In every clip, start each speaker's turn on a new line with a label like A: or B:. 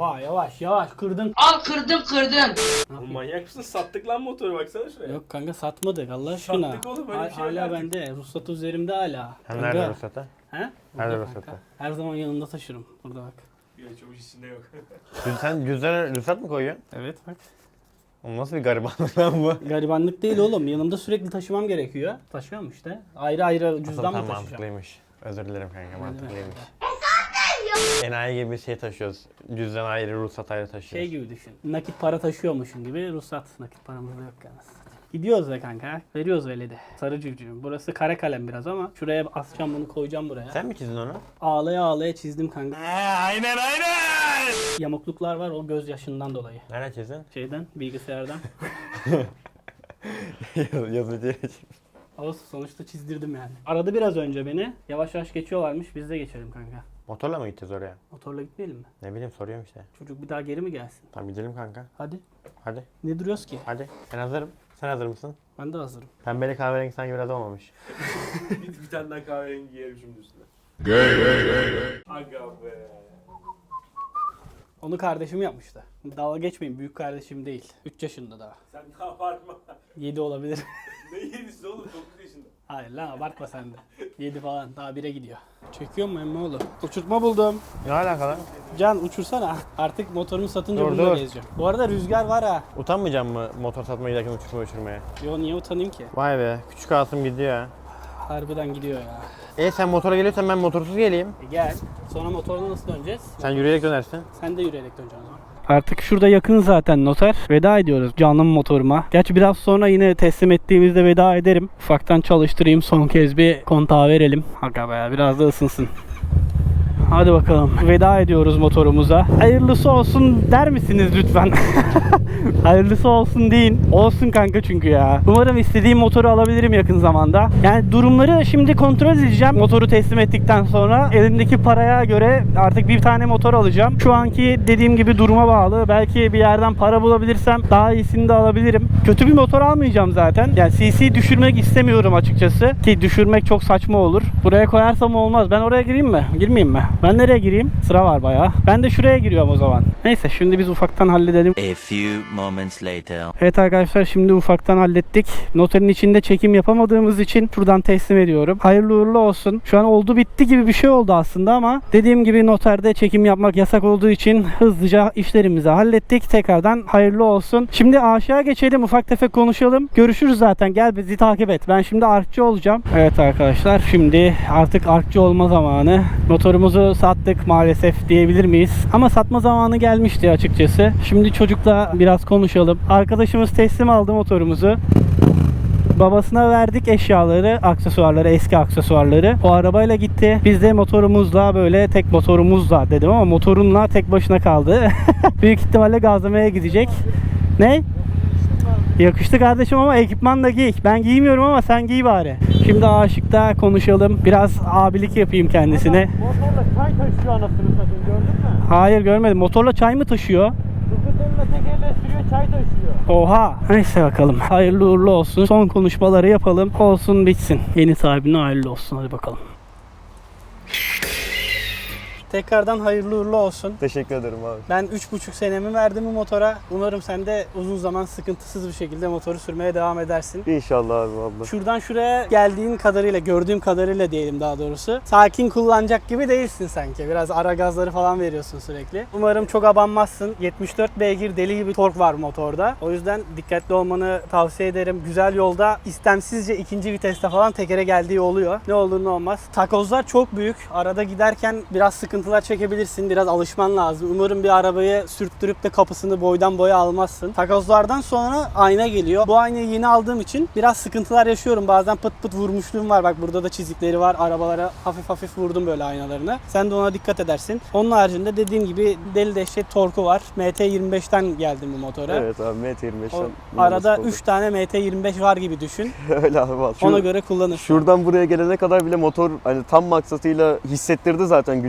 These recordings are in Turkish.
A: Oha yavaş yavaş kırdın.
B: Al kırdın.
C: Oğlum manyak mısın? Sattık lan motoru baksana şuraya.
A: Yok kanka satmadık Allah aşkına.
C: Sattık oğlum, öyle bir şey yok
A: hala
C: artık.
A: bende. Ruhsat üzerimde hala.
D: Sen
A: Kanka.
D: nerede ruhsatı?
A: He?
D: Nerede
A: Burada
D: ruhsatı?
A: kanka. Her zaman yanımda taşırım. Burada bak.
C: Bir çavuş içinde yok.
D: Sen cüzdana ruhsat mı koyuyorsun?
A: Evet bak.
D: Oğlum nasıl bir garibanlık lan bu?
A: Garibanlık değil oğlum. Yanımda sürekli taşımam gerekiyor. Taşıyorum işte. Ayrı ayrı cüzdan mı
D: Tam
A: taşıyacağım?
D: mantıklıymış. Özür dilerim kanka, mantıklıymış.
A: kanka?
D: Enayi gibi şey taşıyoruz. Cüzdan ayrı, ruhsat ayrı taşıyoruz.
A: Şey gibi düşün. Nakit para taşıyormuşsun gibi ruhsat. Nakit paramız da yok yani. Gidiyoruz da kanka. Veriyoruz öyle de. Sarı cücüğüm. Burası kare kalem biraz ama şuraya asacağım bunu koyacağım buraya.
D: Sen mi çizdin onu?
A: Ağlaya ağlaya çizdim kanka.
D: Aynen.
A: Yamukluklar var o gözyaşından dolayı.
D: Nereden çizdin?
A: Şeyden, bilgisayardan.
D: Yazıcıya
A: Ama sonuçta çizdirdim yani. Aradı biraz önce beni. Yavaş yavaş geçiyorlarmış. Biz de geçelim kanka.
D: Motorla mı gideceğiz oraya?
A: Motorla gitmeyelim mi?
D: Ne bileyim, soruyorum işte.
A: Çocuk bir daha geri mi gelsin?
D: Tamam gidelim kanka.
A: Hadi.
D: Hadi.
A: Ne duruyoruz ki?
D: Hadi. Ben hazırım. Sen hazır mısın?
A: Ben de hazırım.
D: Pembeli kahverengi sanki biraz olmamış.
C: Bir tane daha kahverengi giyerim şimdi üstüne. Aga be.
A: Onu kardeşim yapmıştı. Dalga geçmeyin. Büyük kardeşim değil. 3 yaşında daha.
C: Sen ne abartma.
A: 7 olabilir.
C: Ne yedisi oğlum, 9 yaşında.
A: Hayır lan abartma sen de. 7 falan. Daha 1'e gidiyor. Çekiyor mu emmoğlu? Uçurtma buldum.
D: Ne alakalı?
A: Can uçursana. Artık motorumu satınca
D: Dur,
A: bununla
D: dur.
A: gezeceğim. Bu arada rüzgar var ha.
D: Utanmayacağım mı motor satmaya giderken uçurmaya?
A: Yo niye utanayım ki?
D: Vay be, küçük Asım gidiyor ha.
A: Harbiden gidiyor ya.
D: Sen motora geliyorsan ben motorsuz geleyim.
A: Gel. Sonra motorla nasıl döneceğiz?
D: Sen yürüyerek dönersin.
A: Sen de yürüyerek döneceksin o zaman. Artık şurada yakın zaten noter. Veda ediyoruz canım motoruma. Gerçi biraz sonra yine teslim ettiğimizde veda ederim. Ufaktan çalıştırayım, son kez bir kontağı verelim. Aga be, biraz da ısınsın. Hadi bakalım. Veda ediyoruz motorumuza. Hayırlısı olsun der misiniz lütfen? Hayırlısı olsun deyin. Olsun kanka çünkü ya. Umarım istediğim motoru alabilirim yakın zamanda. Yani durumları şimdi kontrol edeceğim. Motoru teslim ettikten sonra elimdeki paraya göre artık bir tane motor alacağım. Şu anki dediğim gibi duruma bağlı. Belki bir yerden para bulabilirsem daha iyisini de alabilirim. Kötü bir motor almayacağım zaten. Yani CC düşürmek istemiyorum açıkçası. Ki düşürmek çok saçma olur. Buraya koyarsam olmaz. Ben oraya gireyim mi? Girmeyeyim mi? Ben nereye gireyim? Sıra var bayağı. Ben de şuraya giriyorum o zaman. Neyse şimdi biz ufaktan halledelim.
E: A few moments later.
A: Evet arkadaşlar şimdi ufaktan hallettik. Noterin içinde çekim yapamadığımız için şuradan teslim ediyorum. Hayırlı uğurlu olsun. Şu an oldu bitti gibi bir şey oldu aslında ama dediğim gibi noterde çekim yapmak yasak olduğu için hızlıca işlerimizi hallettik. Tekrardan hayırlı olsun. Şimdi aşağı geçelim, ufak tefek konuşalım. Görüşürüz zaten. Gel bizi takip et. Ben şimdi arkçı olacağım. Evet arkadaşlar şimdi artık arkçı olma zamanı. Motorumuzu sattık maalesef diyebilir miyiz? Ama satma zamanı gelmişti açıkçası. Şimdi çocukla biraz konuşalım. Arkadaşımız teslim aldı motorumuzu. Babasına verdik eşyaları, aksesuarları, eski aksesuarları. O arabayla gitti. Biz de motorumuzla böyle tek motorumuzla dedim ama motorunla tek başına kaldı. Büyük ihtimalle gazlamaya gidecek. Ne? Yakıştı kardeşim ama ekipman da giy. Ben giymiyorum ama sen giy bari. Şimdi Aşık'ta konuşalım. Biraz abilik yapayım kendisine.
D: Motorla çay taşıyor anasını satayım, gördün mü?
A: Hayır görmedim. Motorla çay mı taşıyor?
D: Skuterle tekerle sürüyor, çay taşıyor.
A: Oha. Neyse bakalım. Hayırlı uğurlu olsun. Son konuşmaları yapalım. Olsun bitsin. Yeni sahibine hayırlı olsun. Hadi bakalım. Tekrardan hayırlı uğurlu olsun.
D: Teşekkür ederim abi.
A: Ben 3,5 senemi verdim bu motora. Umarım sen de uzun zaman sıkıntısız bir şekilde motoru sürmeye devam edersin.
D: İnşallah abi abla.
A: Şuradan şuraya geldiğin kadarıyla, gördüğüm kadarıyla diyelim daha doğrusu. Sakin kullanacak gibi değilsin sanki. Biraz ara gazları falan veriyorsun sürekli. Umarım çok abanmazsın. 74 beygir deli gibi tork var motorda. O yüzden dikkatli olmanı tavsiye ederim. Güzel yolda istemsizce ikinci viteste falan tekere geldiği oluyor. Ne olur ne olmaz. Takozlar çok büyük. Arada giderken biraz sıkıntılar çekebilirsin. Biraz alışman lazım. Umarım bir arabayı sürttürüp de kapısını boydan boya almazsın. Takozlardan sonra ayna geliyor. Bu aynayı yeni aldığım için biraz sıkıntılar yaşıyorum. Bazen pıt pıt vurmuşluğum var. Bak burada da çizikleri var. Arabalara hafif hafif vurdum böyle aynalarını. Sen de ona dikkat edersin. Onun haricinde dediğim gibi deli dehşet torku var. MT25'ten geldim bu motora.
F: Evet abi MT25'ten.
A: Arada 3 tane MT25 var gibi düşün.
F: Öyle abi vallahi.
A: Ona göre kullanırsın.
F: Şuradan buraya gelene kadar bile motor hani tam maksatıyla hissettirdi zaten gücünü bana.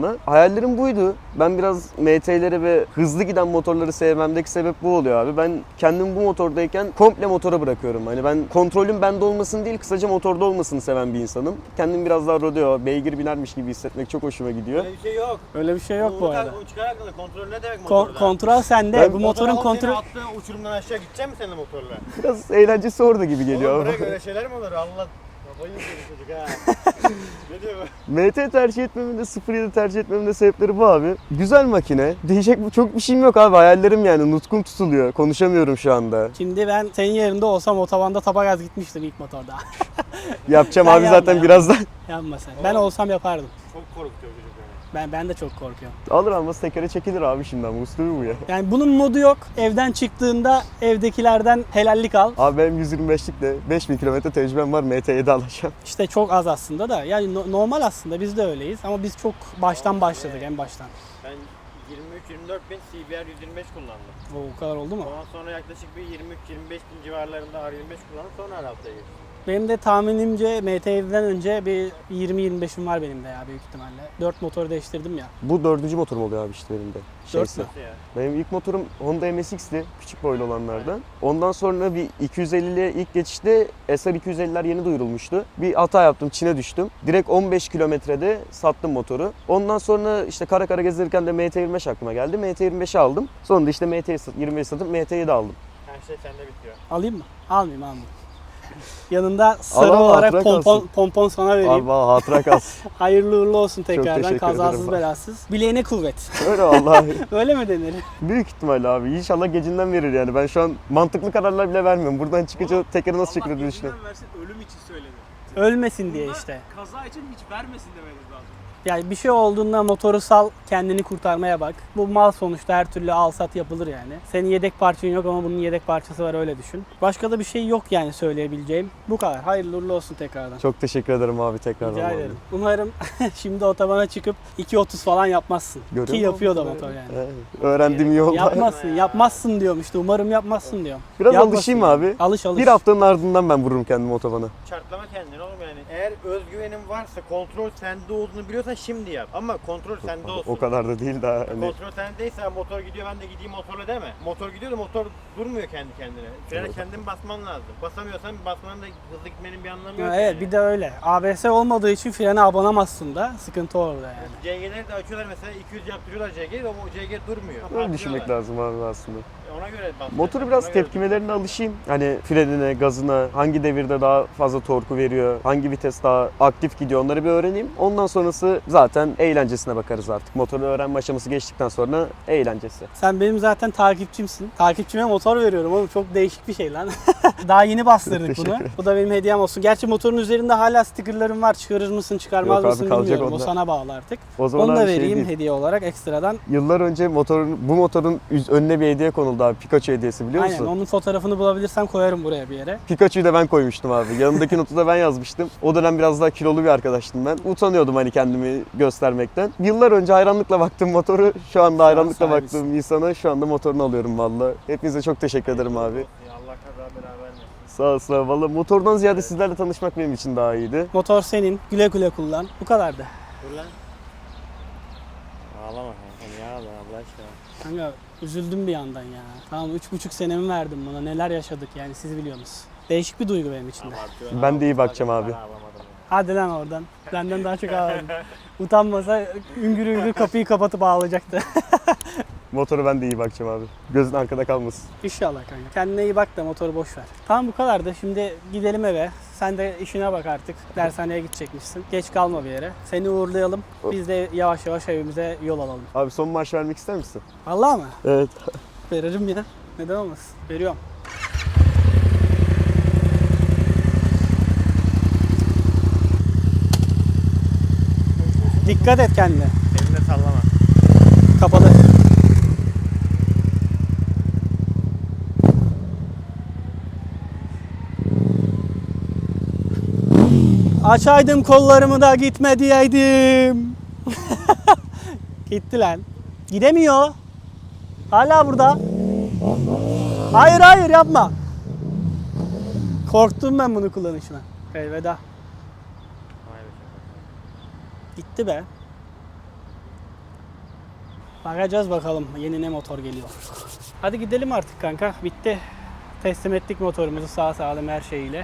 F: bana. Hayallerim buydu. Ben biraz MT'leri ve hızlı giden motorları sevmemdeki sebep bu oluyor abi. Ben kendim bu motordayken komple motora bırakıyorum. Hani ben kontrolüm bende olmasını değil, kısaca motorda olmasını seven bir insanım. Kendim biraz daha rodeo, beygir binermiş gibi hissetmek çok hoşuma gidiyor.
D: Öyle bir şey yok.
A: Öyle bir şey yok bu arada.
D: Uçkar hakkında kontrol ne demek motorda?
A: Kontrol sende.
F: Ben-
A: Bu motorun kontrolü...
D: Attığın uçurumdan aşağı gidecek mi senin motorla?
F: Biraz eğlencesi orada gibi geliyor.
D: Oğlum bırak öyle şeyler mi olur? Allah kafayı yiyecek çocuk ha. Ne diyor bu?
F: MT tercih etmemin de 07 tercih etmemin de sebepleri bu abi. Güzel makine. Diyecek çok bir şeyim yok abi. Hayallerim yani. Nutkum tutuluyor. Konuşamıyorum şu anda.
A: Şimdi ben senin yerinde olsam otobanda tapa gaz gitmiştim ilk motorda.
F: Yapacağım
A: Sen
F: abi
A: yapma
F: zaten
A: ya.
F: birazdan.
A: Yapma sen. Ben olsam yapardım.
D: Çok korkutuyor çocuk beni.
A: Ben de çok korkuyorum.
F: Alır almaz tekere çekilir abi şimdi ama usulü bu ya.
A: Yani bunun modu yok. Evden çıktığında evdekilerden helallik al.
F: Abi benim 125'likle 5000 kilometre tecrübem var, MT7 alacağım.
A: İşte çok az aslında da. Yani normal aslında biz de öyleyiz ama biz çok baştan başladık en baştan.
D: Ben 23-24 bin CBR 125 kullandım.
A: O kadar oldu mu?
D: Ondan sonra yaklaşık bir 23-25 bin civarlarında R25 kullandım. Sonra Arap'ta geçtim.
A: Benim de tahminimce MT7'den önce bir 20-25'im var benim de ya büyük ihtimalle. 4 motoru değiştirdim ya.
F: Bu dördüncü motorum oluyor abi işte benim de.
A: 4 mü?
D: Nasıl ya?
F: Benim ilk motorum Honda MSX'ti, küçük boylu olanlardan. Ondan sonra bir 250'liye ilk geçişte SR 250'ler yeni duyurulmuştu. Bir hata yaptım, Çin'e düştüm. Direkt 15 kilometrede sattım motoru. Ondan sonra işte kara kara gezdirirken de MT25 aklıma geldi. MT25'i aldım. Sonra da işte MT25 satıp MT7 aldım.
D: Her şey sende bitiyor.
A: Alayım mı? Almayayım. Yanında sarı
F: Al,
A: olarak
F: hatıra kalsın.
A: pompon sana vereyim.
F: Abi bana hatıra kalsın.
A: Hayırlı uğurlu olsun tekrardan.
F: teşekkür
A: Kazasız
F: ederim.
A: belasız. Bileğine kuvvet.
F: Öyle vallahi.
A: Öyle mi denir?
F: Büyük ihtimal abi. İnşallah gecinden verir yani. Ben şu an mantıklı kararlar bile vermiyorum. Buradan çıkınca tekeri nasıl çekilir diye düşünüyorum.
C: versin ölüm için söyledi.
A: Ölmesin diye işte.
C: Kaza için hiç vermesin demeniz lazım.
A: Yani bir şey olduğunda motoru sal, kendini kurtarmaya bak. Bu mal sonuçta her türlü al sat yapılır yani. Senin yedek parçan yok ama bunun yedek parçası var öyle düşün. Başka da bir şey yok yani söyleyebileceğim. Bu kadar. Hayırlı uğurlu olsun tekrardan.
F: Çok teşekkür ederim abi tekrardan.
A: Rica
F: vallahi.
A: ederim. Umarım şimdi otobana çıkıp 2.30 falan yapmazsın.
F: Görüyor
A: Ki
F: musun?
A: yapıyor da motor yani.
F: Evet. Öğrendiğim iyi oldu.
A: Yapmazsın diyorum işte. Umarım yapmazsın diyorum.
F: Biraz
A: Yapmasın
F: alışayım
A: yani.
F: abi.
A: Alış.
F: Bir haftanın ardından ben vururum kendimi otobana.
D: Çartlama kendini oğlum yani. Eğer özgüvenin varsa, kontrol sende olduğunu biliyorsan şimdi yap. Ama kontrol sende olsun.
F: O kadar da değil daha. Hani
D: Kontrol sendeyse motor gidiyor ben de gideyim motorla deme. Motor gidiyor da motor durmuyor kendi kendine. Frene
F: Evet.
D: kendin basman lazım. Basamıyorsan basmanın da hızlı gitmenin bir anlamı yok.
A: Evet
D: yani.
A: bir de öyle. ABS olmadığı için frene abanamazsın da sıkıntı orada yani.
D: CG'leri de açıyorlar mesela 200 yaptırıyorlar CG'yi ama o CG durmuyor.
F: öyle düşünmek lazım abi aslında.
D: Ona göre bas.
F: Motoru biraz tepkimelerine alışayım. Hani frenine, gazına, hangi devirde daha fazla torku veriyor, hangi vites daha aktif gidiyor onları bir öğreneyim. Ondan sonrası zaten eğlencesine bakarız artık. Motoru öğrenme aşaması geçtikten sonra eğlencesi.
A: Sen benim zaten takipçimsin. Takipçime motor veriyorum oğlum çok değişik bir şey lan. Daha yeni bastırdık
F: Teşekkür
A: bunu.
F: ederim.
A: Bu da benim hediyem olsun. Gerçi motorun üzerinde hala stickerlarım var. Çıkarır mısın çıkarmaz
F: Yok abi,
A: mısın
F: kalacak
A: bilmiyorum. O
F: onlar.
A: sana bağlı artık.
F: O zaman
A: Onu da
F: abi şey
A: vereyim
F: değil.
A: hediye olarak ekstradan.
F: Yıllar önce bu motorun önüne bir hediye konuldu abi. Pikachu hediyesi biliyor
A: Aynen
F: musun?
A: onun fotoğrafını bulabilirsem koyarım buraya bir yere.
F: Pikachu'yu da ben koymuştum abi. Yanındaki notu da ben yazmıştım. O dönem biraz daha kilolu bir arkadaştım ben. Utanıyordum hani kendimi göstermekten. Yıllar önce hayranlıkla baktığım motoru, şu anda hayranlıkla
A: sahibisin.
F: baktığım insana şu anda motorunu alıyorum valla. Hepinize çok teşekkür ederim abi.
D: Allah kaza beraber vermesin.
F: Sağ olasın abi. Valla motordan ziyade sizlerle tanışmak benim için daha iyiydi.
A: Motor senin. Güle güle kullan. Bu kadardı.
D: Dur lan. Ağlama kanka niye ağlıyorsun Allah aşkına.
A: Kanka üzüldüm bir yandan ya. Tamam 3,5 senemi verdim buna. Neler yaşadık yani siz biliyorsunuz. Değişik bir duygu benim için de.
D: Abartıyorsun.
F: Ben de iyi bakacağım abi.
D: Ben ağlamadım ya.
A: Hadi lan oradan. Benden daha çok ağladım. Utanmasa üngür üngür kapıyı kapatıp ağlayacaktı.
F: Motoru ben de iyi bakacağım abi. Gözün arkada kalmasın.
A: İnşallah kanka. Kendine iyi bak da motoru boş ver. Tamam bu kadar da şimdi gidelim eve. Sen de işine bak artık. Dershaneye gidecekmişsin. Geç kalma bir yere. Seni uğurlayalım. Biz de yavaş yavaş evimize yol alalım.
F: Abi son marş vermek ister misin?
A: Vallahi mı?
F: Evet.
A: Veririm ya. Neden olmasın? Veriyorum. Dikkat et kendine.
D: Elimde sallama.
A: Kapalı. Açaydım kollarımı da gitme diyeydim. Gitti lan. Gidemiyor. Hala burada. Hayır hayır yapma. Korktum ben bunu kullanışına. Elveda.
D: Vay be.
A: Gitti be. Bakacağız bakalım yeni ne motor geliyor. Hadi gidelim artık kanka. Bitti. Teslim ettik motorumuzu sağ salim her şeyiyle.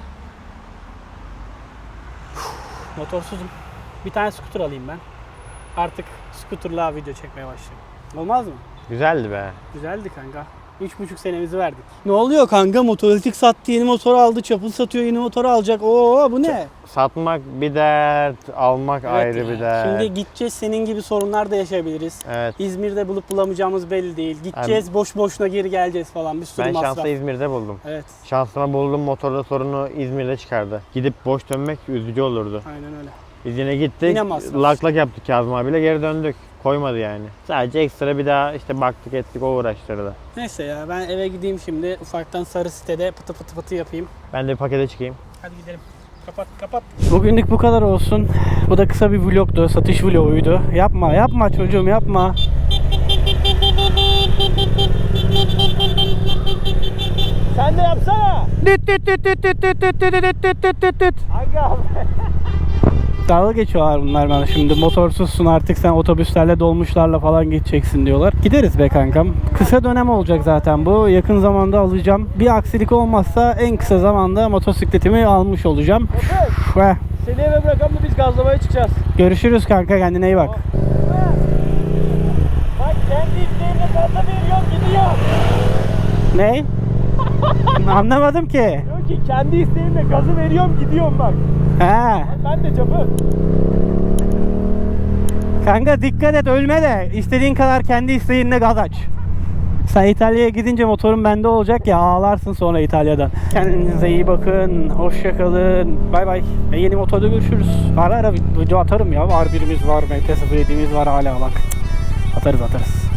A: Motorsuzum. Bir tane scooter alayım ben. Artık scooterla video çekmeye başlayayım. Olmaz mı?
D: Güzeldi be.
A: Güzeldi kanka. 3,5 senemizi verdik. Ne oluyor kanka? Motorik sattı, yeni motor aldı. Çapıl satıyor, yeni motor alacak. Oo bu ne?
D: Satmak bir dert, almak ayrı
A: ya.
D: bir dert.
A: Şimdi gideceğiz, senin gibi sorunlar da yaşayabiliriz.
D: Evet.
A: İzmir'de bulup bulamayacağımız belli değil. Gideceğiz, boş boşuna geri geleceğiz falan. Bir sürü
D: Ben
A: masraf.
D: şanslı İzmir'de buldum.
A: Evet,
D: Şansıma buldum, motorda sorunu İzmir'de çıkardı. Gidip boş dönmek üzücü olurdu.
A: aynen öyle.
D: Biz yine gittik,
A: Yine masraf.
D: lak lak yaptık Kazım abiyle, geri döndük. Koymadı yani. Sadece ekstra bir daha işte baktık ettik, o uğraştırdı.
A: Neyse ya, ben eve gideyim şimdi. Ufaktan sarı sitede pıtı pıtı pıtı yapayım.
D: Ben de bir pakete çıkayım.
A: Hadi gidelim. Kapat kapat. Bugünlük bu kadar olsun. Bu da kısa bir vlogdu. Satış vloguydu. Yapma çocuğum yapma.
D: Sen de yapsana. Aga.
A: Dalga geçiyorlar bunlar bana şimdi. Motorsuzsun artık, sen otobüslerle dolmuşlarla falan geçeceksin diyorlar. Gideriz be kankam. Kısa dönem olacak zaten bu. Yakın zamanda alacağım. Bir aksilik olmazsa en kısa zamanda motosikletimi almış olacağım. Ve
C: Seni eve bırakalım da biz gazlamaya çıkacağız.
A: görüşürüz kanka, kendine iyi bak.
C: Bak kendi isteğimle gaza veriyorum gidiyor.
A: Ne? Anlamadım ki.
C: Diyor ki kendi isteğimle gazı veriyorum gidiyorum bak.
A: He.
C: Ben de çapı.
A: Kanka dikkat et, ölme de istediğin kadar kendi isteğinle gaz aç. Sen İtalya'ya gidince motorun bende olacak ya, ağlarsın sonra İtalya'da. Kendinize iyi bakın. Hoşça kalın. Bay bay. Yeni motorda görüşürüz. Ara ara video atarım ya. R1'imiz var, MT-07'miz var hala bak. Atarız.